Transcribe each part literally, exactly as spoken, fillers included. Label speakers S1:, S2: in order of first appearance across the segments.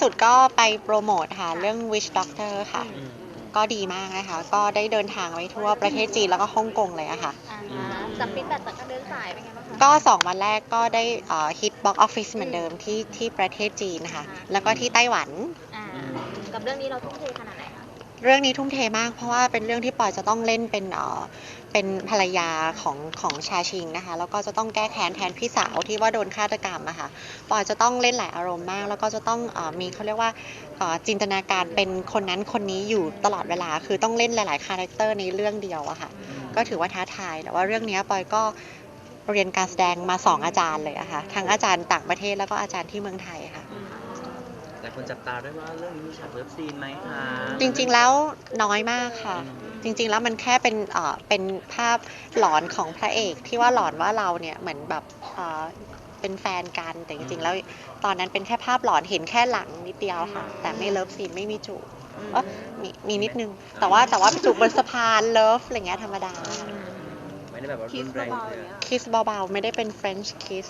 S1: ดก็ไปโปรโมทค่ะเรื่อง Witch Doctor ค่ะก็ดีมากนะคะก็ได้เดินทางไปทั่วประเทศจีนแล้วก็ฮ่องกงเลยอะค่ะ
S2: จากฟีดแบ็กจากการเดินสายเป็นไงบ้างคะ
S1: ก็สองวันแรกก็ได้ฮิตบ็อกออฟฟิศเหมือนเดิมที่ที่ประเทศจีนนะคะแล้วก็ที่ไต้หวัน
S2: กับเรื่องนี้เราทุ่มเทขนาดไหนคะ
S1: เรื่องนี้ทุ่มเทมากเพราะว่าเป็นเรื่องที่ปอยจะต้องเล่นเป็นเอ่อเป็นภรรยาของของชาชิงนะคะแล้วก็จะต้องแก้แค้นแทนพี่สาวที่ว่าโดนฆาตกรรมอะค่ะปอยจะต้องเล่นหลายอารมณ์มากแล้วก็จะต้องเอ่อมีเขาเรียกว่าเอ่อจินตนาการเป็นคนนั้นคนนี้อยู่ตลอดเวลาคือต้องเล่นหลายๆคาแรคเตอร์ในเรื่องเดียวอะค่ะก็ถือว่าท้าทายแต่ว่าเรื่องนี้ปอยก็เรียนการแสดงมาสองอาจารย์เลยอะค่ะทั้งอาจารย์ต่างประเทศแล้วก็อาจารย์ที่เมืองไทยค่ะ
S3: แต่คนจับตาด้วยว่าเรื่องนี้มีฉากเลิฟซีนไหมคะ
S1: จริงๆแล้วน้อยมากค่ะจริงๆแล้วมันแค่เป็นเอ่อเป็นภาพหลอนของพระเอกที่ว่าหลอนว่าเราเนี่ยเหมือนแบบเอ่อเป็นแฟนกันแต่จริงๆแล้วตอนนั้นเป็นแค่ภาพหลอนเห็นแค่หลังนิดเดียวค่ะแต่ไม่เลิฟซีนไม่มีจูบเออมีมีนิดนึงแต่ว่าแต่ว่าจูบบนสะพานเลิฟอะไรเงี้ยธรรมดา
S3: ไม่ได้แบบว่ารุนแรงเลย
S1: คิสเบาๆไม่ได้เป็น French kiss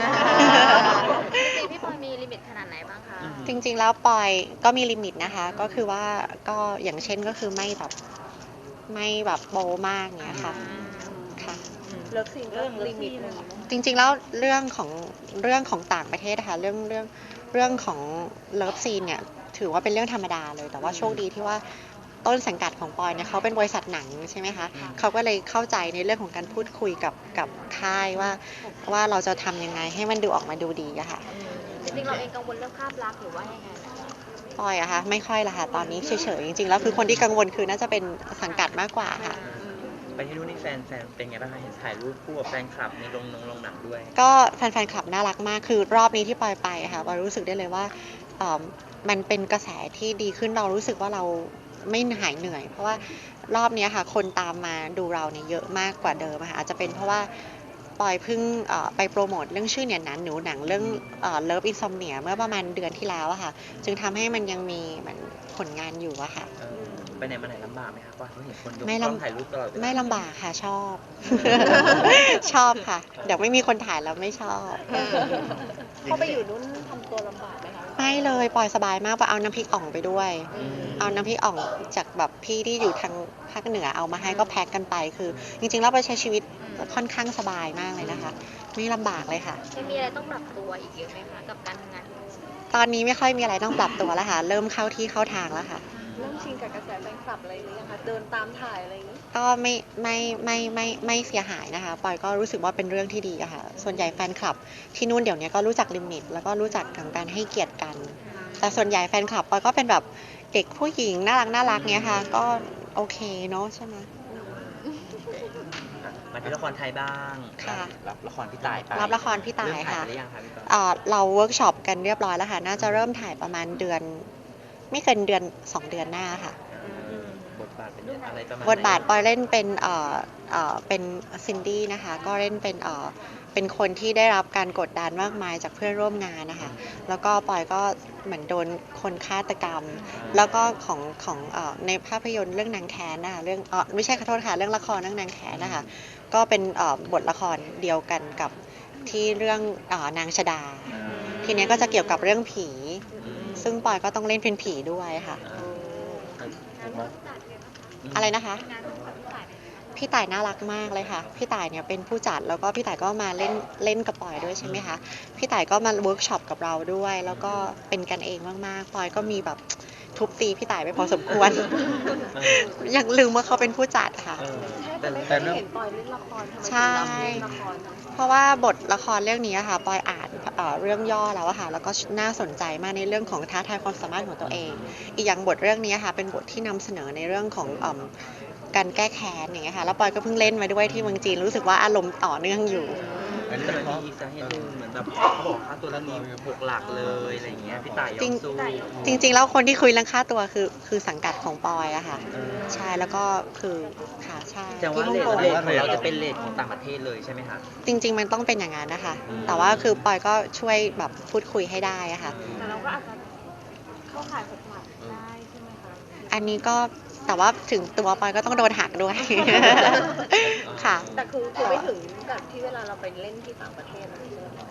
S2: จริงๆพี่ปอยมีลิมิตขนาดไหนบ้างคะ
S1: จริงๆแล้วปอยก็มีลิมิตนะคะก็คือว่าก็อย่างเช่นก็คือไม่แบบไม่แบบโปมากเนี้ยค่ะค่ะ
S2: เลิฟซีนเรื่องลิมิตนึง
S1: จริงๆแล้วเรื่องของเรื่องของต่างประเทศนะคะเรื่องเรื่องเรื่องของเลิฟซีนเนี่ยถือว่าเป็นเรื่องธรรมดาเลยแต่ว่าโชคดีที่ว่าต้นสังกัดของปอยเนี่ยเขาเป็นบริษัทหนังใช่ไหมคะเขาก็เลยเข้าใจในเรื่องของการพูดคุยกับกับค่ายว่าว่าเราจะทำยังไงให้มันดูออกมาดูดีอะค่ะ
S2: จริงๆเราเองกังวลเรื่องภาพลักษณ์หรือว่ายังไง
S1: ปอยอะคะไม่ค่อยละค่ะตอนนี้เฉยๆจริงๆแล้วคือคนที่กังวลคือน่าจะเป็นสังกัดมากกว่าค่ะ
S3: ไปที่นู่นนี่แฟนแฟนเป็นไงบ้างคะเห็นถ่ายรูปคู่กับแฟนคลับในโรงนงโรงหนังด้วย
S1: ก็แฟนๆคลับน่ารักมากคือรอบนี้ที่ปอยไปค่ะปอยรู้สึกได้เลยว่ามันเป็นกระแสที่ดีขึ้นเรารู้สึกว่าเราไม่หายเหนื่อยเพราะว่ารอบนี้ค่ะคนตามมาดูเราเนี่ยเยอะมากกว่าเดิมค่ะอาจจะเป็นเพราะว่าปอยเพิ่งไปโปรโมทเรื่องชื่อเนี่ยนั้นหนูหนังเรื่องเลิฟอินซอมเนียเมื่อประมาณเดือนที่แล้วอะค่ะจึงทำให้มันยังมีเหมือนผลงานอยู่อะค่ะ
S3: ไปไหนมาไหนลำบากไหมคะว่าเห็นคนยกกล้องถ่ายรูปตลอด
S1: ไม่ลำบากค่ะชอบชอบค่ะเดี๋ยวไม่มีคนถ่ายแล้วไม่ชอบ
S2: พอไปอยู่นู้นทำตัวลำบากไหมคะ
S1: ไม่เลยปล่อยสบายมากไปเอาน้ำพริกอ่องไปด้วยเอาน้ำพริกอ่องจากแบบพี่ที่อยู่ทางภาคเหนือเอามาให้ก็แพ็คกันไปคือจริงๆแล้วไปใช้ชีวิตค่อนข้างสบายมากเลยนะคะไม่ลำบากเลยค่ะ
S2: มีอะไรต้องปรับตัวอีกเยอะไหมคะกับการทำงาน
S1: ตอนนี้ไม่ค่อยมีอะไรต้องปรับตัวแล้วค่ะเริ่มเข้าที่เข้าทางแล้วค่ะ
S2: เริ่มชินกับกระแสแฟนคลับอะไรหรือยังคะเดินตามถ่ายอะไรอย่างนี้
S1: ก็ไม่ไม่ไม่ไม่ไม่เสียหายนะคะปอยก็รู้สึกว่าเป็นเรื่องที่ดีอะค่ะส่วนใหญ่แฟนคลับที่นู่นเดี๋ยวนี้ก็รู้จักลิมิตแล้วก็รู้จักการให้เกียรติกันแต่ส่วนใหญ่แฟนคลับปอยก็เป็นแบบเด็กผู้หญิงน่ารักน่ารักเนี้ยค่ะก็โอเคเนาะใช่ไหม
S3: มาที่ละครไทยบ้าง
S1: ค่ะ
S3: รับละครพี่ต่ายไป
S1: รับละครพี่ต่ายค่ะ
S3: หรือยังคะพี่ต่
S1: ายเราเวิร์กช็อปกันเรียบร้อยแล้วค่ะน่าจะเริ่มถ่ายประมาณเดือนไม่เกินเดือนสองเดือนหน้าค่ะ
S3: บทบาทเป็นอะไรประมาณ
S1: บทบาทปอยเล่นเป็นเอ่อเอ่อเป็นซินดี้นะคะก็เล่นเป็นเอ่อเป็นคนที่ได้รับการกดดันมากมายจากเพื่อนร่วมงานนะคะแล้วก็ปอยก็เหมือนโดนคนฆาตกรรมแล้วก็ของของเอ่อในภาพยนตร์เรื่องนางแค้นนะคะเรื่องเอ่อไม่ใช่ขอโทษค่ะเรื่องละครเรื่องนางแค้นนะคะก็เป็นเอ่อบทละครเดียวกันกับที่เรื่องเอ่อนางชดาทีนี้ก็จะเกี่ยวกับเรื่องผีซึ่งปอยก็ต้องเล่นเป็นผีด้วยค่ะอะไรนะคะพี่ต่ายน่ารักมากเลยค่ะพี่ต่ายเนี่ยเป็นผู้จัดแล้วก็พี่ต่ายก็มาเล่นเล่นกับปอยด้วยใช่ไหมคะพี่ต่ายก็มาเวิร์กช็อปกับเราด้วยแล้วก็เป็นกันเองมากๆปอยก็มีแบบทุบตีพี่ต่ายไปพอสมควรยังลืมว่าเขาเป็นผู้จัดค่ะ
S2: แต่ไม่เคยเห็นปอยเล่นละคร
S1: ใช่เพราะว่าบทละครเรื่องนี้ค่ะปอยอ่านเรื่องย่อแล้วค่ะแล้วก็น่าสนใจมากในเรื่องของท้าทายความสามารถของตัวเองอีกอย่างบทเรื่องนี้ค่ะเป็นบทที่นำเสนอในเรื่องของการแก้แค้นอย่างเงี้ยค่ะแล้วปอยก็เพิ่งเล่นมาด้วยที่เมืองจีนรู้สึกว่าอารมณ์ต่อเนื่องอยู่
S3: อันนี้เป็นอีกสาเหตุหนึ่งเหมือนแบบเขาบอกค่าตัวเรื่องนี้หกหลักเลยอะไรอย่างเงี้ยพี่ต่ายยอมสู้
S1: จริงๆแล้วคนที่คุยเรื่องค่าตัวคือคือสังกัดของปอยอะค่ะใช่แล้วก็คือค่ะใช่
S3: แต่ว่าเลทของเราจะเป็นเลทของต่างประเทศเลยใช่ไหมคะ
S1: จริงๆมันต้องเป็นอย่างนั้นนะคะแต่ว่าคือปอยก็ช่วยแบบพูดคุยให้ได้อะค่ะ
S2: แต่เราก็อาจจะเข้าข่ายหกหลักได้ใช่ไหมคะ
S1: อันนี้ก็แต่ว่าถึงตัวปอยก็ต้องโดนหักด้วยค่ะ
S2: แต่คือคือไม่ถึงกับที่เวลาเราไปเล่นที่ต่างประเทศ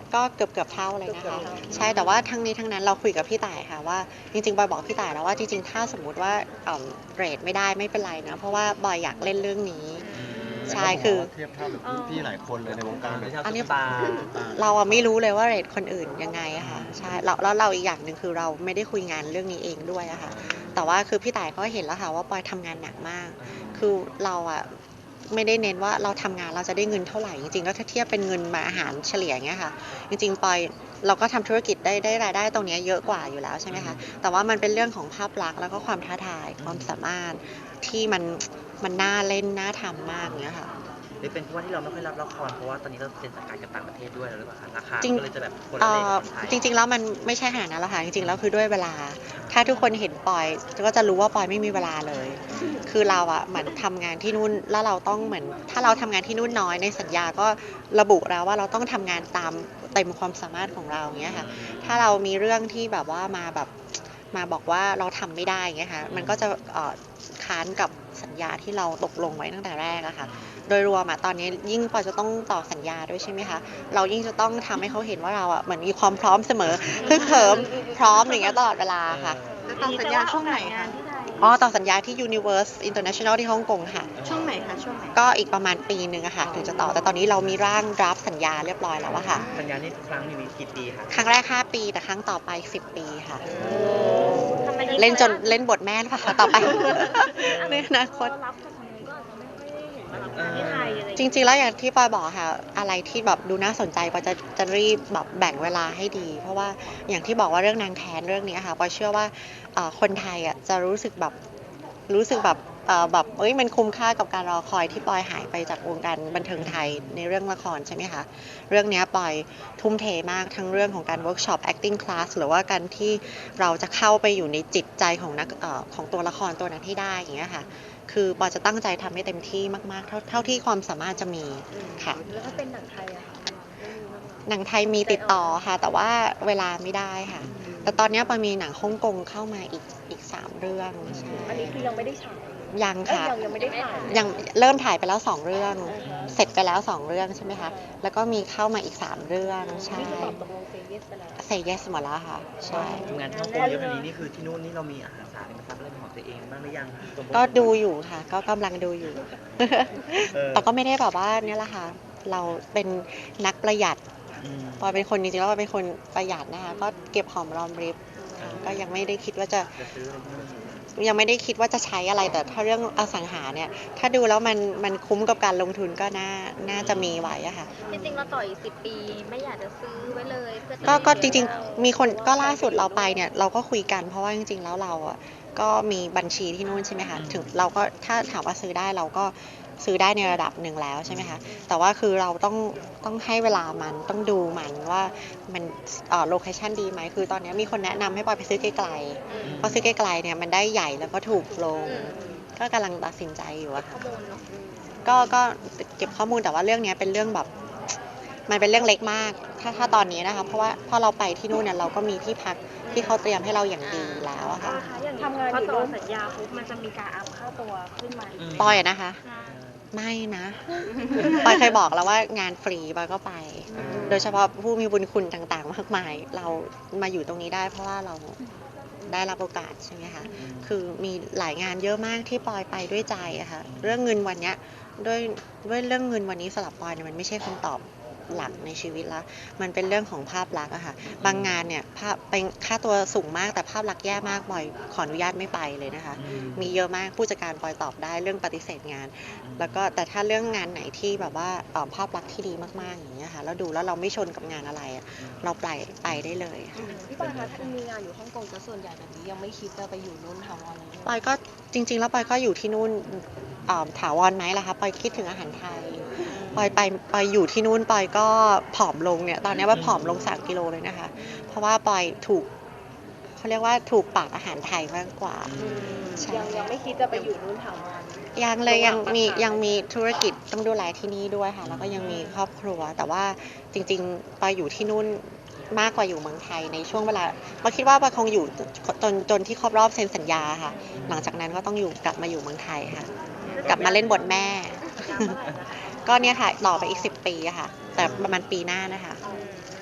S1: ก็เกือบเกือบเท่าเลยนะคะใช่แต่ว่าทั้งนี้ทั้งนั้นเราคุยกับพี่ต่ายค่ะว่าจริงๆบอยบอกพี่ต่ายแล้วว่าจริงๆถ้าสมมุติว่าเอ่อเรทไม่ได้ไม่เป็นไรนะเพราะว่าบอยอยากเล่นเรื่องนี้ใช่คือ
S4: เทียบเท่ากับรุ่นพี่หลายคนเลยในวงการ
S3: ไม่ใช่
S1: อันนี้
S3: ซุปตาร์
S1: เราอะไม่รู้เลยว่าเรทคนอื่นยังไงอะค่ะใช่แล้วแล้วเราอีกอย่างหนึ่งคือเราไม่ได้คุยงานเรื่องนี้เองด้วยอะค่ะแต่ว่าคือพี่ต่ายก็เห็นแล้วค่ะว่าปอยทำงานหนักมาก คือเราอะไม่ได้เน้นว่าเราทำงานเราจะได้เงินเท่าไหร่จริงๆแล้วถ้าเทียบเป็นเงินมาอาหารเฉลี่ยอย่างเงี้ยค่ะจริงๆปอยเราก็ทำธุรกิจได้ได้รายได้ตรงเนี้ยเยอะกว่าอยู่แล้วใช่ไหมคะแต่ว่ามันเป็นเรื่องของภาพลักษณ์แล้วก็ความท้าทายความสามารถที่มันมันน่าเล่นน่าทำมากเงี้ยค่ะ
S3: หรือเป็นเพราะว่าที่เราไม่ค่อยรับละครเพราะว่าตอนนี้เราเซ็นสัญญากับต่างประเทศด้วยหรือเปล่าคะราคา
S1: จริง
S3: ก็เลยจะแบบคนละ
S1: เอ่
S3: เรท
S1: อ
S3: กับคนไทย
S1: จริงๆแล้วมันไม่ใช่ขนาดนั้นหรอกค่ะจริงๆแล้วคือด้วยเวลา ถ้าทุกคนเห็นปอยก็จะรู้ว่าปอยไม่มีเวลาเลย คือเราอะเหมือนทำงานที่นู่นแล้วเราต้องเหมือนถ้าเราทำงานที่นู่นน้อยในสัญญาก็ระบุแล้วว่าเราต้องทำงานตามเต็มความสามารถของเราอย่างเงี้ยค่ะถ้าเรามีเรื่องที่แบบว่ามาแบบมาบอกว่าเราทำไม่ได้อย่างเงี้ยค่ะมันก็จะเอ่อค้านกับสัญญาที่เราตกลงไว้ตั้งแต่แรกอะค่ะโดยรวมอะตอนนี้ยิ่งปอยจะต้องต่อสัญญาด้วยใช่ไหมคะเรายิ่งจะต้องทำให้เขาเห็นว่าเราอะเหมือนมีความพร้อมเสมอคือเขิมพร้อมอย่างเงี้ยตลอดเวลาค่ะ
S2: ต่อสัญญาช่วงไหนคะที่ไทย
S1: อ๋อต่อสัญญาที่ Universe International ที่ฮ่องกงค่ะ
S2: ช่วงไหนคะช่วงไหน
S1: ก็อีกประมาณปีหนึ่งอะค่ะถึงจะต่อแต่ตอนนี้เรามีร่างดราฟสัญญาเรียบร้อยแล้วอะค่ะ
S3: สัญญานี้ทุกครั้งมีกี่ปีคะ
S1: ครั้งแรกห้าปีแต่ครั้งต่อไปสิบปีค่ะ
S2: ทำไม
S1: เล่นจนเล่นบทแม่หรือเปล่าคะต่อไป ในอนาคต
S2: รับจากทางนู้นก็อาจจะไม่ค่อยได้เห็นมารับงานที่ไทยอะไร
S1: จริงๆ แล้วอย่างที่ปอยบอกค่ะอะไรที่แบบดูน่าสนใจปอยจะจะรีบแบบแบ่งเวลาให้ดี เพราะว่าอย่างที่บอกว่าเรื่องนางแค้นเรื่องนี้ค่ะปอยเชื่อว่าเอ่อคนไทยอ่ะจะรู้สึกแบบรู้สึกแบบเอ่อแบบเอ้ยมันคุ้มค่ากับการรอคอยที่ปอยหายไปจากวงการบันเทิงไทยในเรื่องละครใช่ไหมคะเรื่องนี้ปอยทุ่มเทมากทั้งเรื่องของการเวิร์กช็อป acting class หรือว่าการที่เราจะเข้าไปอยู่ในจิตใจของนักเอ่อของตัวละครตัวนั้นให้ได้อย่างเงี้ยค่ะ คือปอจะตั้งใจทำให้เต็มที่มากๆ เท่าเท่าที่ความสามารถจะมีค่ะ
S2: แล้วถ้าเป็นหนังไทยอะคะ
S1: หนังไทยมีติดต่อค่ะ แต่ว่าเวลาไม่ได้ค่ะ แต่ตอนนี้ปอมีหนังฮ่องกงเข้ามาอีกอีกสามเรื่องใช่
S2: อันนี้คือยังไม่ได้ฉาย
S1: ยัง
S2: เอ้ย
S1: ค่ะ
S2: ยังยังไม่ได้ถ่าย
S1: ยังเริ่มถ่ายไปแล้วสองเรื่อง เสร็จไปแล้วสองเรื่องใช่ไหมคะ แล้วก็มีเข้ามาอีกสามเรื่องใช่
S2: นี่คือตอบตกลงเซเยสไปแล้ว
S1: เซเยสหมดแล้วค่ะ ใช่
S3: ทำงานที่ฮ่องกงเยอะขนาดนี้นี่คือที่นู่นนี่เรามีอาหารสารมาทำอะไรเป็นของตัวเองบ้างหรือยัง
S1: ก็ดูอยู่ค่ะ ก็กำลังดูอยู่
S3: เออ
S1: แต่ก็ไม่ได้แบบว่าเนี่ยแหละค่ะ เราเป็นนักประหยัด
S3: อืม
S1: ปอยเป็นคนจริงๆแล้วปอยเป็นคนประหยัดนะคะก็เก็บหอมรอมริบค่ะก็ยังไม่ได้คิดว่าจะ
S3: จะซื้ออะไรที่นู่น
S1: ยังไม่ได้คิดว่าจะใช้อะไรแต่ถ้าเรื่องอสังหาเนี่ยถ้าดูแล้วมันมันคุ้มกับการลงทุนก็น่าน่าจะมีไว้อะค่ะ
S5: จริงๆเราต่ออีกสิบปีไม่อยากจะซื้อไว้เลยเพื่อจะ
S1: ก็ก็จ
S5: เก็บ
S1: ริง
S5: ไว้
S1: ๆ มีคนก็ล่าสุดเราไปเนี่ยเราก็คุยกันเพราะว่าจริงๆแล้วเราอ่ะก็มีบัญชีที่นู่นใช่ไหมคะถึงเราก็ถ้าถามว่าซื้อได้เราก็ซื้อได้ในระดับหนึ่งแล้วใช่ไหมคะแต่ว่าคือเราต้องต้องให้เวลามันต้องดูมันว่ามันเอ่อโลเคชั่นดีไหมคือตอนนี้มีคนแนะนำให้ปอยไปซื้อไกลๆเพราะซื้อไกลๆเนี่ยมันได้ใหญ่แล้วก็ถูกลง ก็กำลังตัดสินใจอยู่อะ
S5: ข้
S1: ค่ะ
S5: อมูลเนาะ
S1: ก็ก็เก็บข้อมูลแต่ว่าเรื่องเนี้ยเป็นเรื่องแบบ มันเป็นเรื่องเล็กมาก ถ้าถ้าตอนนี้นะคะ เพราะว่าพอเราไปที่นู่นเนี่ยเราก็มีที่พักที่เขาเตรียมให้เราอย่างดีแล้วอะค่ะ
S2: อย่างทำงานพอต่อสัญญาปุ๊บมันจะมีการอัพค่าตัวขึ้นมาอีก
S1: ปอยอะนะคะ ไม่นะ ปอยเคยบอกแล้วว่างานฟรีปอยก็ไป โดยเฉพาะผู้มีบุญคุณต่างๆมากมาย เรามาอยู่ตรงนี้ได้เพราะว่าเราได้รับโอกาสใช่ไหมคะ คือมีหลายงานเยอะมากที่ปอยไปด้วยใจอะค่ะ เรื่องเงินวันเนี้ยด้วยด้วยเรื่องเงินวันนี้สำหรับปอยเนี่ยมันไม่ใช่คำตอบหลักในชีวิตละมันเป็นเรื่องของภาพลักษณ์อะค่ะ บางงานเนี่ยภาพเป็นค่าตัวสูงมากแต่ภาพลักษณ์แย่มากปอยขออนุญาตไม่ไปเลยนะคะ มีเยอะมากผู้จัดการปอยตอบได้เรื่องปฏิเสธงาน แล้วก็แต่ถ้าเรื่องงานไหนที่แบบว่าเอ่อภาพลักษณ์ที่ดีมากๆอย่างเงี้ยค่ะแล้วดูแล้วเราไม่ชนกับงานอะไรอะเราไปไปได้เลยค่ะ
S2: พี่ปอยคะถ้ามีงานอยู่ฮ่องกงจะส่วนใหญ่แบบนี้ยังไม่คิดจะไปอยู่นู่นถาวรเลย
S1: ปอยก็จริงๆแล้วปอยก็อยู่ที่นู่นเอ่อถาวรไหมล่ะคะปอยคิดถึงอาหารไทยปอยไปปอยอยู่ที่นู่นปอยก็ผอมลงเนี่ยตอนนี้ว่าผอมลงสามกิโลเลยนะคะ เพราะว่าปอยถูกเขาเรียกว่าถูกปากอาหารไทยมากกว่า ใช่
S2: ยังยังไม่คิดจะไปอยู่นู่นถาวร
S1: ยังเลยยังมียังมีธุรกิจต้องดูแลที่นี่ด้วยค่ะแล้วก็ยังมีครอบครัว แต่ว่าจริงๆปอยอยู่ที่นู่นมากกว่าอยู่เมืองไทยในช่วงเวลาปอยคิดว่าปอยคงอยู่จนจนที่ครบรอบเซ็นสัญญาค่ะ หลังจากนั้นก็ต้องอยู่กลับมาอยู่เมืองไทยค่ะ กลับมาเล่นบทแม่ ก็เนี่ยค่ะต่อไปอีกสิบปีอะค่ะ แต่ประมาณปีหน้านะคะ
S3: จ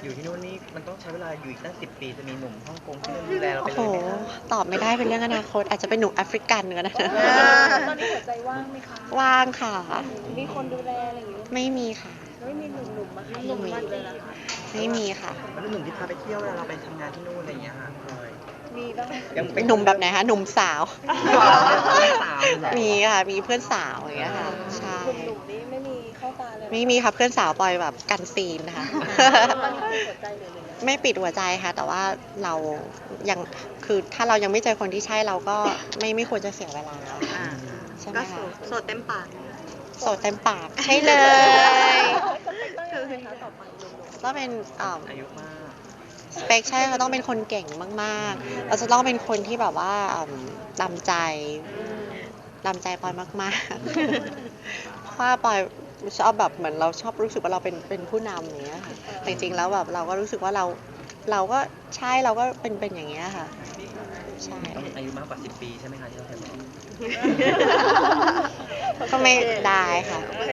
S3: อยู่ที่นู่นนี่มันต้องใช้เวลาอยู่อีกตั้งสิบปีจะมีหนุ่มฮ่องกงที่นู่นดูแลเราไป
S1: โอ้
S3: เล
S1: โห
S3: ยไหมคะ
S1: ตอบไม่ได้เป็นเรื่องอนาคต อาจจะเป็นหนุ่มแอฟริกันก็ได้
S2: ตอนนี้หัวใจว่างไหมคะ
S1: ว่างค่ะ
S2: มีคนดูแลอะไรอย่างเงี้ย
S1: ไม่มีค่ะ
S2: ไม่มีหนุ่มๆมาให้
S1: หนุ่ม
S2: มาดูแลเหรอคะ
S1: ไม่มีค่ะ
S3: แล้วหนุ่มที่พาไปเที่ยวเวลาเราไปทำงานที่นู่นอะไรอย่างเงี้ยค่ะพลอย
S2: มีบ้างไหม
S3: ยังเป็น
S1: หนุ่มแบบไหนคะหนุ่มสาว
S3: สาว
S1: มีค่ะ มีเพื่อนสาวอย่างเงี้ยค่ะ ใช่
S2: หนุ่มๆนี่ไม่มีเข้าตาเลยเหรอ
S1: ไม่มีค่ะเพื่อนสาวปอยแบบกันซีนนะคะ
S2: ตอนนี้คือหัวใจเหลยเลย
S1: ไม่ปิดหัวใจค่ะ แต่ว่าเรายังคือถ้าเรายังไม่เจอคนที่ใช่เราก็ไม่ไม่ควรจะเสียเวลาใช่ไหม
S2: ก็
S1: คะ
S2: โสดเต็มปาก
S1: โสดเต็มปากใช่เลย
S2: คือเป็นคะต่อไปหนุ่ม
S1: ต้องเป็นอ่า
S3: อายุมาก
S1: สเปคใช่เขาต้องเป็นคนเก่งมากๆ เราจะต้องเป็นคนที่แบบว่าอืมตามใจตามใจปอยมากๆ เพราะว่าปอยชอบแบบเหมือนเราชอบรู้สึกว่าเราเป็นเป็นผู้นำอย่างเงี้ยค่ะแต่จริงๆแล้วแบบเราก็รู้สึกว่าเราเราก็ใช่เราก็เป็นเป็นอย่างเงี้ยค่ะ ใช่
S3: ต้องอายุมากกว่าสิบปีใช่ไหมคะที่เราเคยบอก
S1: ก็ไม่ได้ค่ะ
S2: ๆโอเค